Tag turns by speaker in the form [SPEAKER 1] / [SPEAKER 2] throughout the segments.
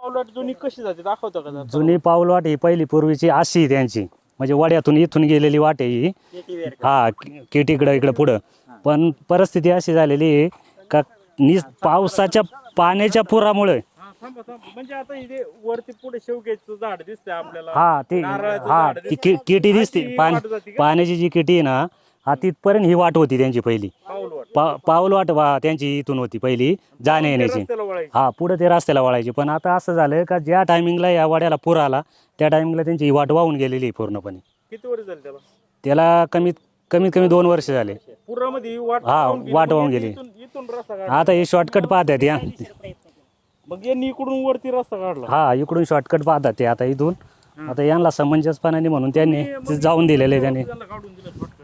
[SPEAKER 1] पाऊलवाट जुनी कशी जाते दाखवतो का जरा?
[SPEAKER 2] जुनी पाऊलवाट ही पहिली पूर्वीची अशी आहे त्यांची, म्हणजे वड्यातून इथून गेलेली वाट आहे ही. हा, केटीकडं इकडं पुढं. पण परिस्थिती अशी झालेली आहे का पावसाच्या पाण्याच्या पुरामुळे
[SPEAKER 1] म्हणजे आता इथे वरती पुढे शेवग्याचं झाड दिसतंय आपल्याला.
[SPEAKER 2] हा ते
[SPEAKER 1] नारळाचं
[SPEAKER 2] हा
[SPEAKER 1] झाड
[SPEAKER 2] ती केटी दिसते.
[SPEAKER 1] अशी वाट जाते का?
[SPEAKER 2] पाण्याची जी केटी आहे ना, हा तिथपर्यंत ही वाट होती त्यांची पहिली.
[SPEAKER 1] पाऊलवाट
[SPEAKER 2] पाऊलवाट त्यांची इथून होती पहिली जाण्या येण्याची.
[SPEAKER 1] रस्त्याला वळायची.
[SPEAKER 2] हा, पुढे ते रस्त्याला वळायची. पण आता असं झालं का ज्या टायमिंगला या वाड्याला पूर आला त्या टायमिंगला त्यांची ही वाट वाहून गेलेली आहे पूर्णपणे.
[SPEAKER 1] किती वर्ष झाले त्याला?
[SPEAKER 2] त्याला कमीत कमी 2 वर्ष झाले.
[SPEAKER 1] पुरामध्ये वाट
[SPEAKER 2] हा, वाट वाहून
[SPEAKER 1] म्हणजे
[SPEAKER 2] गेली.
[SPEAKER 1] इथून रस्ता काढला.
[SPEAKER 2] आता हे शॉर्टकट पाहतात या.
[SPEAKER 1] मग यांनी इकडून वरती रस्ता काढला.
[SPEAKER 2] हा, इकडून शॉर्टकट पाहतात ते आता इथून. आता यांना समंजसपणाने म्हणून त्यांनी जाऊन दिलेले. त्यांनी
[SPEAKER 1] त्याला काढून दिलं shortcut.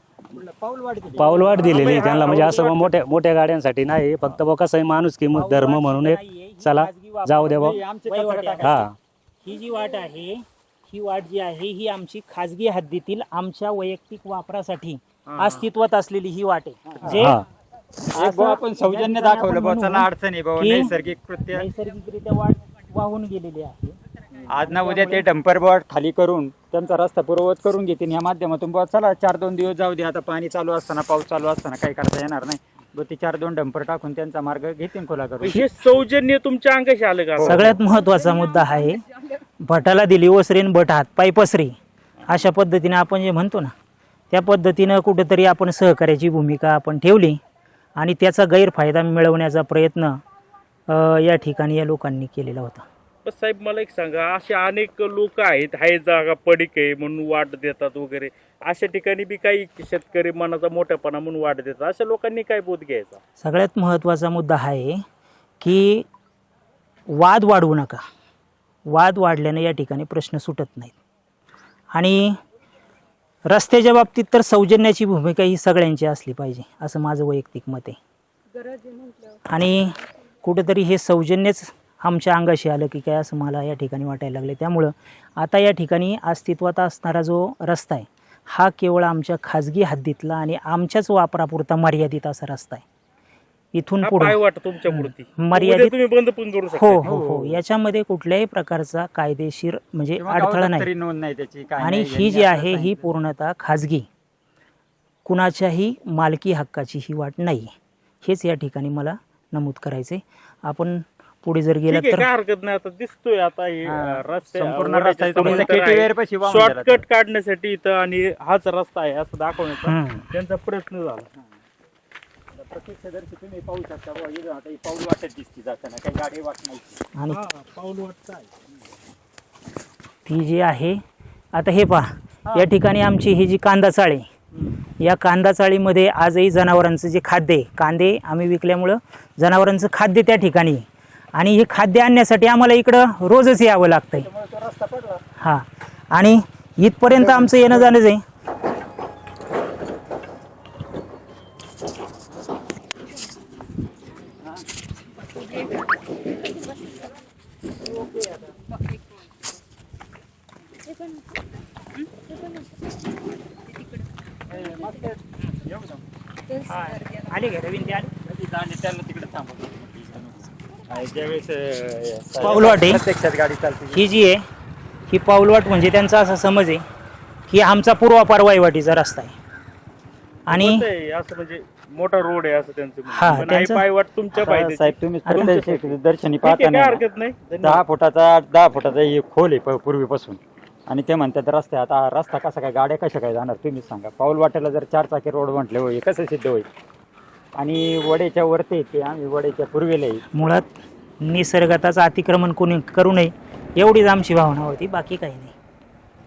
[SPEAKER 2] पाऊलवाट दिलेली त्यांना, म्हणजे असं मोठ्या गाड्यांसाठी नाही, फक्त बघ कसं आहे माणूस की धर्म म्हणून एक चला जाऊ द्या बा. हा,
[SPEAKER 3] ही जी वाट आहे, ही वाट जी आहे ही आमची खाजगी हद्दीतील आमच्या वैयक्तिक वापरासाठी अस्तित्वात असलेली ही वाट आहे. जे
[SPEAKER 2] हा.
[SPEAKER 4] आपण सौजन्य दाखवलं बा, चला अडचण आहे बाबा,
[SPEAKER 3] की
[SPEAKER 4] नैसर्गिक कृत्य.
[SPEAKER 3] नैसर्गिकरित्या वाट वाहून गेलेली आहे.
[SPEAKER 4] आज ना उद्या ते डंपर बोट खाली करून त्यांचा रस्ता पूर्ववत करून घेतील या माध्यमातून. बा चला 4-2 दिवस जाऊ दे, आता पाणी चालू असताना, पाऊस चालू असताना काही करता येणार नाही. बघ ते 4-2 डंपर टाकून त्यांचा मार्ग घेतील खुला करून.
[SPEAKER 1] हे सौजन्य तुमच्या अंगाशी आलं का?
[SPEAKER 3] सगळ्यात महत्वाचा मुद्दा आहे, भटाला दिली ओसरीन भट हात पाय पसरी, अशा पद्धतीने आपण जे म्हणतो ना, त्या पद्धतीनं कुठेतरी आपण सहकार्याची भूमिका आपण ठेवली आणि त्याचा गैरफायदा मिळवण्याचा प्रयत्न या ठिकाणी या लोकांनी केलेला होता.
[SPEAKER 1] पण साहेब मला एक सांगा, असे अनेक लोक आहेत, हाय जागा पडीक आहे म्हणून वाट देतात वगैरे, अशा ठिकाणी बी काही शेतकरी मनाचा मोठेपणा म्हणून वाट देतात, अशा लोकांनी काय बोध घ्यायचा?
[SPEAKER 3] सगळ्यात महत्त्वाचा मुद्दा आहे की वाद वाढवू नका. वाद वाढल्याने या ठिकाणी प्रश्न सुटत नाहीत. आणि रस्त्याच्या बाबतीत तर सौजन्याची भूमिका ही सगळ्यांची असली पाहिजे, असं माझं वैयक्तिक मत आहे. आणि कुठेतरी हे सौजन्यच आमच्या अंगाशी आलं की काय, असं मला या ठिकाणी वाटायला लागले. त्यामुळं आता या ठिकाणी अस्तित्वात असणारा जो रस्ता आहे हा केवळ आमच्या खाजगी हद्दीतला आणि आमच्याच वापरापुरता मर्यादित असा रस्ता आहे. इथून पुढे
[SPEAKER 1] वाट तुमच्या मूर्ती
[SPEAKER 3] मर्यादित
[SPEAKER 1] तुम्ही बंद पण करू शकता.
[SPEAKER 3] हो हो हो, याच्यामध्ये कुठल्याही प्रकारचा कायदेशीर म्हणजे अडथळा नाही.
[SPEAKER 4] नोंद नाही त्याची काय
[SPEAKER 3] आणि
[SPEAKER 4] नाही,
[SPEAKER 3] ही जी आहे ही पूर्णतः खाजगी, कुणाच्याही मालकी हक्काची ही वाट नाही. हेच या ठिकाणी मला नमूद करायचे. आपण पुढे जर गेलं
[SPEAKER 1] ठीक आहे,
[SPEAKER 3] तर
[SPEAKER 1] काय हरकत नाही. आता दिसतोय आता हे
[SPEAKER 4] संपूर्ण रस्ता आहे, तुम्ही केटी वेअर पाशी वाहून गेला
[SPEAKER 1] शॉर्टकट काढण्यासाठी इथं आणि हाच रस्ता आहे असं दाखवण्याचा त्यांचा प्रयत्न झाला.
[SPEAKER 4] प्रत्यक्षदर्शी तुम्ही पाहू शकता बुवा, इथं आता ही पाऊल वाटत दिसती जाताना, काही गाडी वाट नाही.
[SPEAKER 3] आणि
[SPEAKER 1] पाऊल वाटत आहे
[SPEAKER 3] ती जी आहे आता हे पहा, या ठिकाणी आमची ही जी कांदा चाळी, या कांदा चाळीमध्ये आजही जनावरांचं जे खाद्य आहे, कांदे आम्ही विकल्यामुळं जनावरांचं खाद्य त्या ठिकाणी आहे. आणि हे खाद्य आणण्यासाठी आम्हाला इकडं रोजच यावं लागतंय. हां, आणि इथपर्यंत आमचं येणं जाणंच आहे. आले का रवींद्र ते आले?
[SPEAKER 4] त्यांना तिकडे थांबवतो. ज्यावेळेस
[SPEAKER 3] पाऊलवाट आहे
[SPEAKER 4] प्रत्यक्षात गाडी चालते.
[SPEAKER 3] ही जी आहे ही पाऊलवाट, म्हणजे त्यांचा असा समज आहे की आमचा पूर्वापार वहिवाटीचा रस्ता आहे. आणि
[SPEAKER 1] असं म्हणजे मोठा रोड आहे असं त्यांचं
[SPEAKER 3] हा,
[SPEAKER 1] म्हणणं. पण आई
[SPEAKER 3] त्यांचं-
[SPEAKER 1] पायवाट तुमच्या पाहिजे.
[SPEAKER 4] साहेब तुम्ही दर्शनी
[SPEAKER 1] काय
[SPEAKER 4] पाहता
[SPEAKER 1] हरकत नाही.
[SPEAKER 4] 10 फुटाचा हे खोल आहे पूर्वीपासून. आणि ते म्हणतात रस्ता, आता रस्ता कसा काय, गाड्या कशा काय जाणार तुम्ही सांगा. पाऊल वाटेला जर 4 चाकी रोड म्हटले होईल कसं सिद्ध होईल. आणि वड्याच्या वरती येते, आम्ही वड्याच्या पूर्वेला येईल.
[SPEAKER 3] मुळात निसर्गाचं अतिक्रमण कोणी करू नये एवढीच आमची भावना होती, बाकी काही नाही.